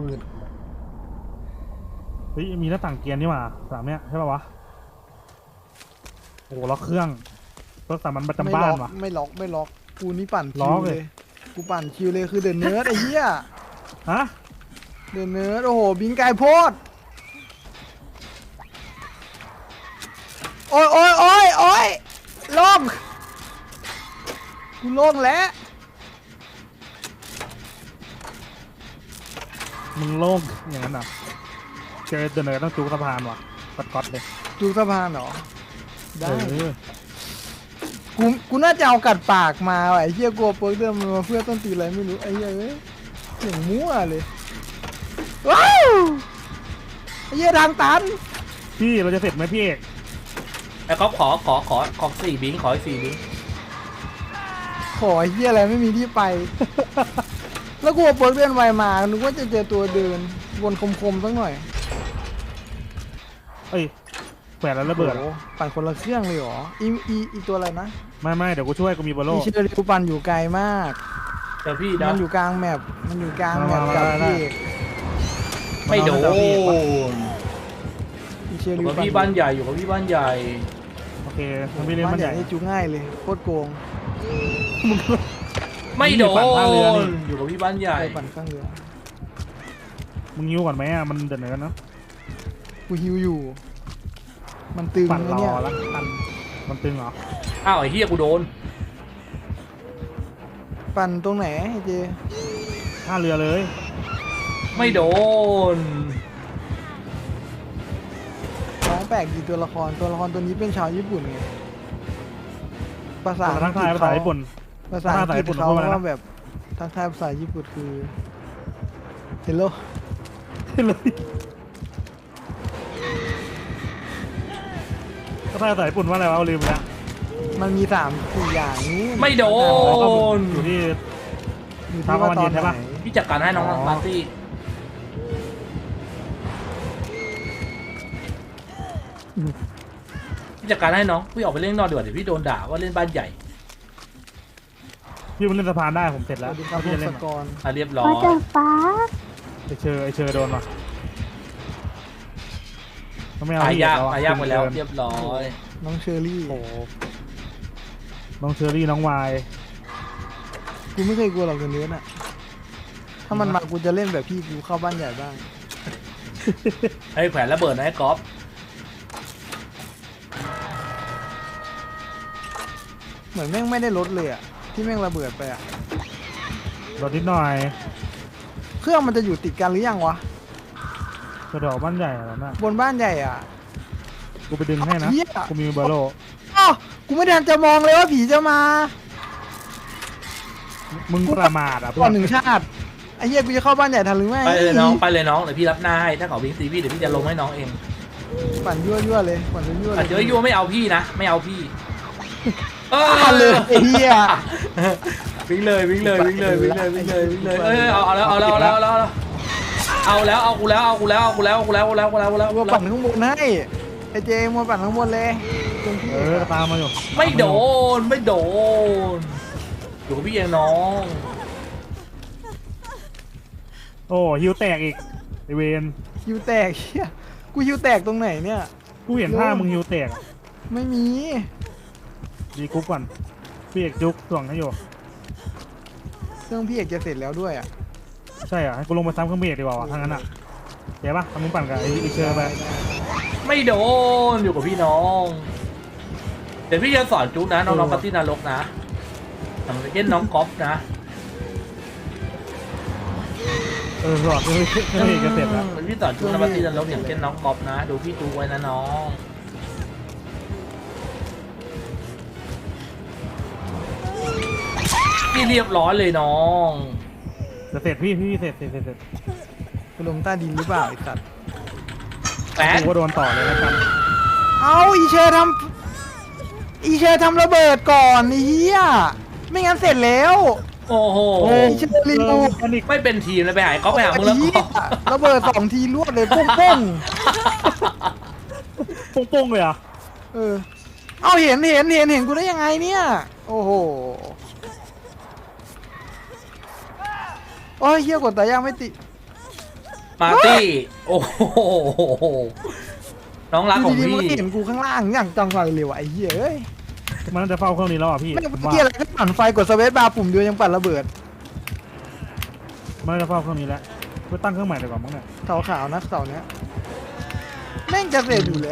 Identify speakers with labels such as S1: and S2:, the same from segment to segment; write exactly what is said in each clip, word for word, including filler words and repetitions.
S1: มืด
S2: เฮ้ยมีหน้าต่างเกียร์นี่หว่าสามเนี้ยใช่ป่าวะโอ้โหล็อกเครื่องรถสามัญประจำบ้านว่ะ
S1: ไม่ล็อกไม่ล็อกกูนี่ปั่น
S2: ล็
S1: คิ
S2: อ
S1: ว
S2: ก
S1: เล
S2: เลย
S1: ยกูปั่นคิวเลยคือเดินเนิร์ดไอ้เหี้ย
S2: ฮะ
S1: เดินเนิร์ดโอ้โหบิงไก่โพดโอ้ยโอ้ยโอ้ยโอ้ยโล่งกูโล่งแล้ว
S2: มึงโล่งอย่างนั้นอ่ะเจอเดินเลยต้องจูกสะพานว่ะกดก๊อตเลย
S1: จูสะพานเหรอได้
S2: เออ
S1: กูกูน่าจะเอากัดปากมาว่ะไอ้เหี้ยกลัวเปิร์กเดิมมันมาเพื่อต้นตีอะไรไม่รู้ไอ้เหี้ยเอ้ยอย่างมั่วเลยว้าวไอ้เหี้ยทางตัน
S2: พี่เราจะเสร็จไหมพี่เอก
S3: แล้วก็ขอขอขอขอสี่บิงขออีกสี่บิง
S1: ขอไอ้เหี้ยอะไรไม่มีที่ไป แล้วกูเอาเปิร์กเดินไวมานึกว่าจะเจอตัวเดินวนคมๆสักหน่อย
S2: เอ้ยแขวนแล้วระเบิด
S1: โอ้โหปั่นคนละเครื่องเลยเหรออีอีอีตัวอะไรนะ
S2: ไม่ไม่เดี๋ยวกูช่วยกูมีบอลโล่
S1: อีเชอร์ริวปั่นอยู่ไกลมาก
S3: เดี๋ยวพี่นะ
S1: มันอยู่กลางแมปมันอยู่กลางแมป
S2: มา
S1: กับ
S2: มามา
S1: พี่เอก
S3: ไม่โดน
S1: อีเชอ
S3: อ
S1: ร์ริ
S3: ยู่
S1: ว
S3: กับ
S1: ปั่น
S3: พี่บ้านใหญ่อยู่กับพี่บ้านใหญ่
S2: โอเคมันไม่เล่น
S1: บ้า
S2: มัน น
S1: ให
S2: ให
S1: ญ่
S2: ญ่
S1: นี่จูง่ายเลยโคตรโกง
S3: ไม่โด
S2: ปั่นท่าเรือนี่
S3: นอยู่กับพี่บ้านใหญ่
S1: ไปปั่นข้างเรือ
S2: มึงยิ้วก่อนไหมอ่ะมันเดินเลยกันเนาะ
S1: กูฮิวอยู่ มันตึง
S2: ปั่น
S1: ไอ้
S2: รอ
S1: เนี่ย
S2: ละปั่นมันตึงเหรอ
S3: อ้าวไอ้เฮียกูโดน
S1: ปั่นตรงไหนไอ้เจ
S2: ท่าเรือเลย
S3: ไม่โดน
S1: น้องแปลกดีตัวละครตัวละครตัวนี้เป็นชาวญี่ปุ่นไงภาษา
S2: ทักทายภาษาญี่ปุ่น
S1: ภาษาอังกฤษ
S2: ภาษาญี่ปุ่น
S1: เขา
S2: พูดว่าอะไรนะ
S1: ว่าแบบทักทายภาษาญี่ปุ่นคือ hello
S2: เลยก็ท่าภาษาญี่ปุ่นว่าอะไรวะเอาลืมไปแล้ว
S1: มันมีสามสี่อย่างนี้
S3: ไม่โดน
S2: อยู่ที่
S1: อยู่
S2: ตาม
S1: ที่
S2: ประ
S1: ว่า
S2: มาณ
S1: ตอน
S2: เย็นใช่
S1: ไหน
S2: ปะ
S3: พี่จัดการให้น้อง
S2: อ๋อ
S3: ปาร์ตี้ พี่จัดการให้น้องพี่ออกไปเล่นนอกดีกว่าเดี๋ยวพี่โดนด่าว่าเล่นบ้านใหญ่
S2: พี่มันเล่นสะพานได้ผมเสร็จ
S1: ส
S2: แล้ว
S1: วัสดีครับ
S2: พี่
S1: พ
S2: จะ
S1: ง
S2: เล่
S1: ศ
S2: น
S1: กร
S3: อ่ะเรียบร้อ
S4: ว่าย จะฟ้า
S2: ไอเชอร์ไอเชอร์โดนว่ะก็ไม่เอา
S3: ตาย
S2: พี่
S3: ยาก
S2: เอะ
S3: ตายยากไปแล้ว
S2: เกิน
S3: เรียบร้อย
S1: น้องเชอรี่
S2: โอ้โหน้องเชอรี่น้องวาย
S1: กูไม่เคยกลัวหรอกเนื้อน่ะถ้ามันมากูจะเล่นแบบพี่กูเข้าบ้านใหญ่บ้าง
S3: ไอ้แขวนระเบิดนะไอ้ก๊อฟ
S1: เหมือนแม่งไม่ได้ลดเลยอะที่แม่งระเบิดไปอะ
S2: รถนิดหน่อย
S1: เครื่องมันจะอยู่ติดกันหรือยังวะ
S2: กระดอกบ้านใหญ่แล้วนะ
S1: บนบ้านใหญ่อะ
S2: กูไปดึงให้นะ
S1: เหี้ย
S2: กูมีเบอร์โล
S1: อ้าวกูไม่ทันจะมองเลยว่าผีจะมา
S2: มึงประมาทอ่ะเพื่
S1: ก่
S2: อ
S1: อน
S2: น
S1: หนึ่งชาติไอ้เหี้ยกูจะเข้าบ้านใหญ่ทันหรือไม่
S3: ไปเลยน้องไปเลยน้องเดี๋ยวพี่รับหน้าให้ถ้าเขาวิ่งตีพี่เดี๋ยวพี่จะลงให้น้องเอง
S1: ปั่นยั่วยั่วๆเลยปั่นยั่วๆ
S3: อาจ
S1: เล
S3: จะ
S1: ย
S3: ยั่วไม่เอาพี่นะไม่เอาพี่เออ
S1: ปั่นเลยไอ้เหี้ย
S3: วิ่งเลยวิ่งเลยวิ่งเลยวิ่งเลยวิ่งเลยวิ่งเลยเอ้ยเอาเอาแล้วเอาแล้วเอาแล้วเอาแล้วเอาแล้วเอากูแล้วเอากูแล้วเอากูแล้วเอากูแล้วเอากูแล้วเอากูแล้วเอากูแล้ว
S1: มัวปั่นข้างบนให้ไอ้เจมัวปั่นข้างบนเลยตรงที่
S2: เออตามมาอยู่
S3: ไม่โดนไม่โดนอยู่กับพี่เองน้อง
S2: โอ้ฮิวแตกอีกไอเวน
S1: ฮิวแตกเหี้ยกูฮิวแตกตรงไหนเนี่ย
S2: กูเห็นท่ามึงฮิวแตกอะ
S1: ไม่มี
S2: ดีกุ๊กก่อนพี่เอกจุกส่วงให้อยู่
S1: เครื่องพี่เอกจะเสร็จแล้วด้วยอ่ะ
S2: ใช่อ่ะให้กูลงไปซ้ำเครื่องเบรกดีกว่าวะทางนั้นอ่ะเดี๋ยวปะทำมึงปั่นกับไอ้ไอเชอร์ไป
S3: ไม่โดนอยู่กับพี่น้องเดี๋ยวพี่จะสอนจุ๊กนะน้องๆปาร์ตี้นรกนะทำเล่นน้องก๊อฟนะ
S2: เออหลอดเครื่องเครื่องเบรกจะเสร็จแล้ว
S3: พี่สอนจุ๊กนะปาร์ตี้นรกอย่างเช่นน้องก๊อฟนะดูพี่จุ๊กไว้นะน้องพี่เรียบร้อยเลยน้อง
S2: จะเสร็จพี่พี่เสร็จเสร็จเสร็จเสร็จ
S1: กูลงใต้ดินหรือเปล่าไอ้สัตว์
S3: แปด
S2: กูก็โดนต่อเลยแล้วกัน
S1: เอาอีเชอร์ทำอีเชอร์ทำระเบิดก่อนไอ้เหี้ยไม่งั้นเสร็จแล้ว
S3: โอ้โห
S1: โอ้ยเชอร์ลิว
S2: แพนิค
S3: ไม่เป็นทีมเลยไปหาก๊อฟไปหามึงแล้ว
S1: ไอ้เหี้ย
S3: ก๊อฟ
S1: ระเบิดสองทีรวดเลยปุ้งปุ้ง
S2: ปุ้งๆเลยอ่ะ
S1: ๆเออเอาเห็นเห็นเห็นเห็นกูได้ยังไงเนี่ยโอ้โหโอ้ยเหี้ยกดแต่ยังไม่ติด
S3: มาร์ตี้โอ้โหน้องรักของ
S1: ดีๆ
S3: พี่
S1: มันก็เห็นกูข้างล่างอย่างจังไรเลยวะไอ้เหี้ยเอ้ย
S2: มันน่าจะเฝ้าเครื่องนี้แล้วอ่ะพี่
S1: ไม่
S2: ผม
S1: เมื่อ
S2: ว่า
S1: กี้อะไรก็ปั่นไฟกดสเวตบาร์ปุ่มเดียวยังปั่นระเบิด
S2: มันน่าจะเฝ้าเครื่องนี้แล้วไปตั้งเครื่องใหม่ดีกว่ามั้งเนี่ย
S1: เสาขาวนะเสาเนี้ยแม่งจะเสร็จอยู่แล้ว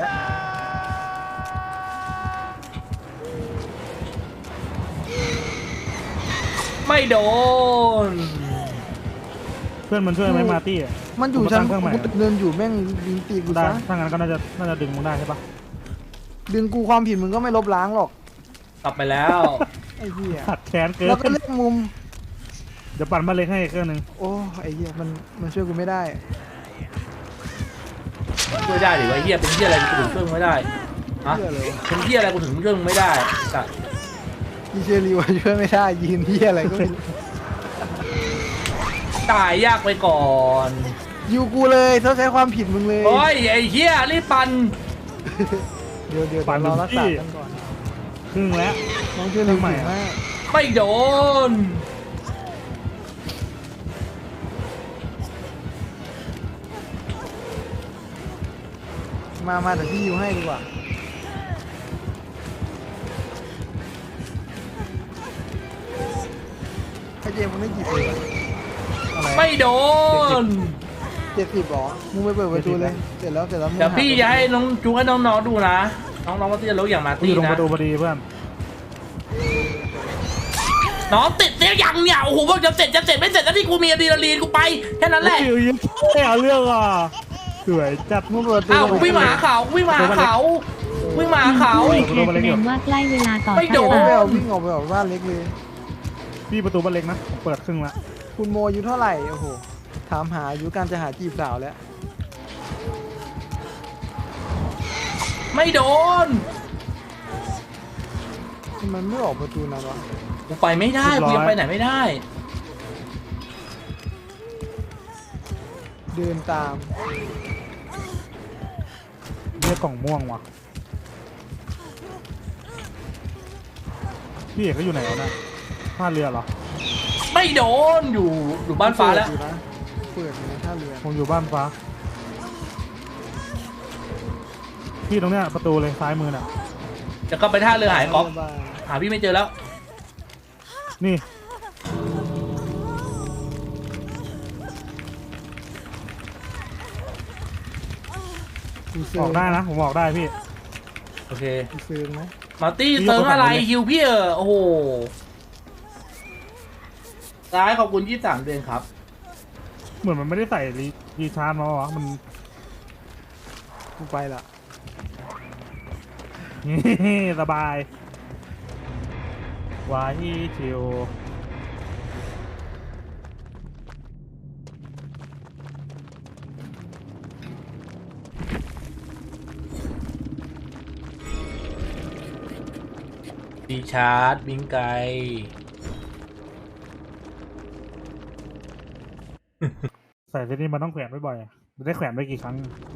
S3: ไม่โดน
S2: เพื่อนมันช่วยไหมมาร์ตี้อะ
S1: มันอยู่
S2: กู
S1: ชั้น
S2: ตั้งเครื่องใหม่
S1: กูเดินอยู่แม่งยิงตีกู
S2: ได้
S1: ซะ
S2: ถ้างั้นก็น่าจะน่าจะดึงมึงได้ใช่ปะ
S1: ดึงกูความผิดมึงก็ไม่ลบล้างหรอก
S3: กลับไปแล้ว
S1: ไอ้เหี้ย
S2: ขัดแค้นเกิน
S1: แล้วก็เลือกมุม
S2: เดี๋ยวปั่นมาเล็กให้อีกเครื่องหนึง
S1: โอ้ไอ้เหี้ยมันมันช่วยกูไม่ได้
S3: ช่วยได้หรือว่าเฮียเป็นเฮียอะไรกูถึงช่วยมึงไม่ได้ฮะ
S1: เหี้ยเลยวะ
S3: เป็นเฮียอะไรกูถึงช่วยมึงไม่ได้แต่
S1: อีเชลีวะช่วยไม่ได้ยืนเหี้ยอะไรก็ไม่รู้
S3: ตายยากไปก่อน
S1: อยู่กูเลยเขาใช้ความผิดมึงเลย
S3: โอ้ยไอ้เฮียรีบปัน
S1: เดี๋ยวเดี๋ยวเรารักษากันก่อน
S2: ครึ่งแล้ว
S1: น้องช่วยเร็ว
S2: ทำไม
S1: ใหม่
S2: อะ
S1: มาก
S3: ไม่โดน
S1: มามาแต่พี่อยู่ให้ดีกว่าไอ้เจมส์มันไม่กี่ปีอะอะไร
S3: ไม่โดน
S1: เจ็ดสิบหรอมึงไปเปิดประตูเลยเสร็จแล้วเสร็จแล้วมึง
S3: เดี๋ยวพี่
S1: หา
S3: จะให้น้องจูให้น้องๆดูนะ น้องๆก็จะรู้อย่างมา
S2: กูอ
S3: ตี้
S2: ยู่ตรงป
S3: นะ
S2: ระตูพอดีเพื่อน
S3: น้องติดเสียยังเนี่ยโอ้โหบอกจะเสร็จจะเสร็จไม่เสร็จแล้วที่กูมีอะดรีนาลีนกูไปแค่นั้นแหละ
S2: โอ้ยยังไม่เอาเรื่องอ่ะสวยจัด
S1: มึงเปิดประตู
S3: อ้าวกูวิ่งมาหาเขากูวิ่งมาหาเขาวิ่งมาหาเขา
S2: อุ้ย
S4: แสดงว่าใกล้เวลาต่อ
S3: ไม่โดน
S1: ไม่
S4: ไป
S1: เอาวิ่งออกไปออกบ้านเล็กเลย
S2: พี่ประตูบ้านเล็กนะผมเปิดครึ่งละ
S1: คุณโมอายุเท่าไหร่โอ้โหถามหาอายุการจะหาจีบสาวแล้ว
S3: ไม่โดน
S1: มันไม่ออกประตูนะวะ
S3: กูไปไม่ได้กูยังไปไหนไม่ได้
S1: เดินตาม
S2: เรียกกล่องม่วงว่ะพี่เอกเขาอยู่ไหนวะเนี่ยท่าเรือเหรอ
S3: ไม่โดนอยู่อยู่บ้านฟ้าแล้ว
S1: เปิดอยู่นะเปิดอยู่ในท่าเรือ
S2: ผมอยู่บ้านฟ้าพี่ตรงเนี้ยประตูเลยซ้ายมือน่ะ
S3: จะก็ไปท่าเรือหายก๊อฟ
S1: บ๊ายบาย
S3: หาพี่ไม่เจอแล้ว
S2: นี่
S1: กูเซิ
S2: อ
S1: ร์
S2: อกได้นะผมออกได้พี่
S3: โอเค
S1: กูเซิร์ฟไหม
S3: มาร์ตี้
S2: พี่
S3: เติมอะไร
S2: ยกกระเป๋าเลย
S3: ฮิวพี่เออโอ้โหซ้ายขอบคุณยี่สิบสามเดือนครับ
S2: เหมือนมันไม่ได้ใส่รีรีชาร์จมาวะมัน
S1: กูไปละ
S2: สบาย วายชิว
S3: ดีชาร์จบิงไก
S2: ใส่เซตนี้มันต้องแขวนบ่อยๆมันได้แขวนไปกี่ครั้ง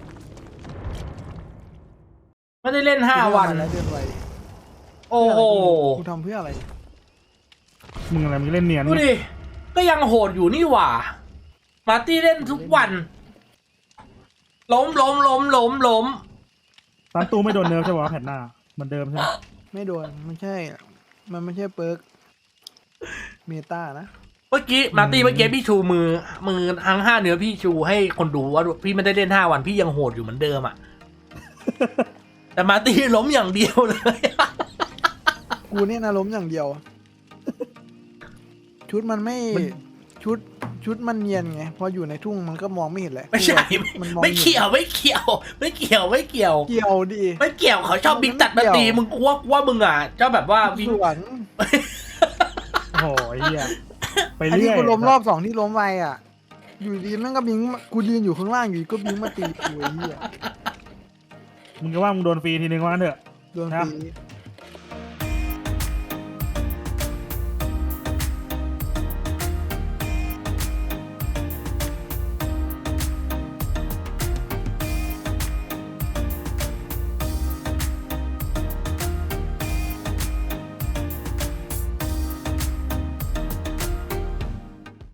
S3: ไม่ได้เล่นห้าวัน
S1: แล้วเดินไว
S3: โอ้โห
S1: กูทำเพื่ออะไร
S2: มึงอะไรมึงเล่นเนียน
S3: ดูดิ ก็ยังโหดอยู่นี่หว่า มาร์ตี้เล่นทุกวัน ล้มล้มล้มล้มล้ม
S2: ตันตูไม่โดนเนิร์ฟใช่ปะแผ่นหน้าเหมือนเดิมใช่ไหม
S1: ไม่โดนไม่ใช่ มันไม่ใช่เปิร์กเมตานะ
S3: เมื่อกี้มาร์ตี้เมื่อกี้พี่ชูมือ มือทั้งห้าเนื้อพี่ชูให้คนดูว่าพี่ไม่ได้เล่นห้าวันพี่ยังโหดอยู่เหมือนเดิมอ่ะ แต่มาร์ตี้ล้มอย่างเดียวเลย
S1: กูเนี่ยนะล้มอย่างเดียว ชุดมันไม่ชุดชุดมันเนียนไงพออยู่ในทุ่งมันก็มองไม่เห็นแหละ
S3: ไม่ใช่
S1: มันมอง
S3: ไม่เกี่ยวไม่เกี่ยว ไม่เกี่ยวไม่เกี่ยว
S1: เกี่ยวดิ
S3: ไม่เกี่ยวเขาชอบบิ๊กตัดมาตีมึงกูว่ากูว่ามึงอ่ะเจ้าแบบว่าบิ๊ก
S1: สวน
S2: โอ้โหไอ้เหี้ยไป
S1: อันนี้
S2: เรื่อย
S1: กูล้มรอบสองที่ล้มไปอ่ะ อยู่ดีแม่งก็บิงมากูยืนอยู่ข้างล่างอยู่ดีก็บิงมาตีกูไอ้เหี้ย
S2: มึงก็ว่ามึงโดนฟรีทีนึงว่างั้นเถอะ
S1: โดน
S2: ครับ
S1: ตี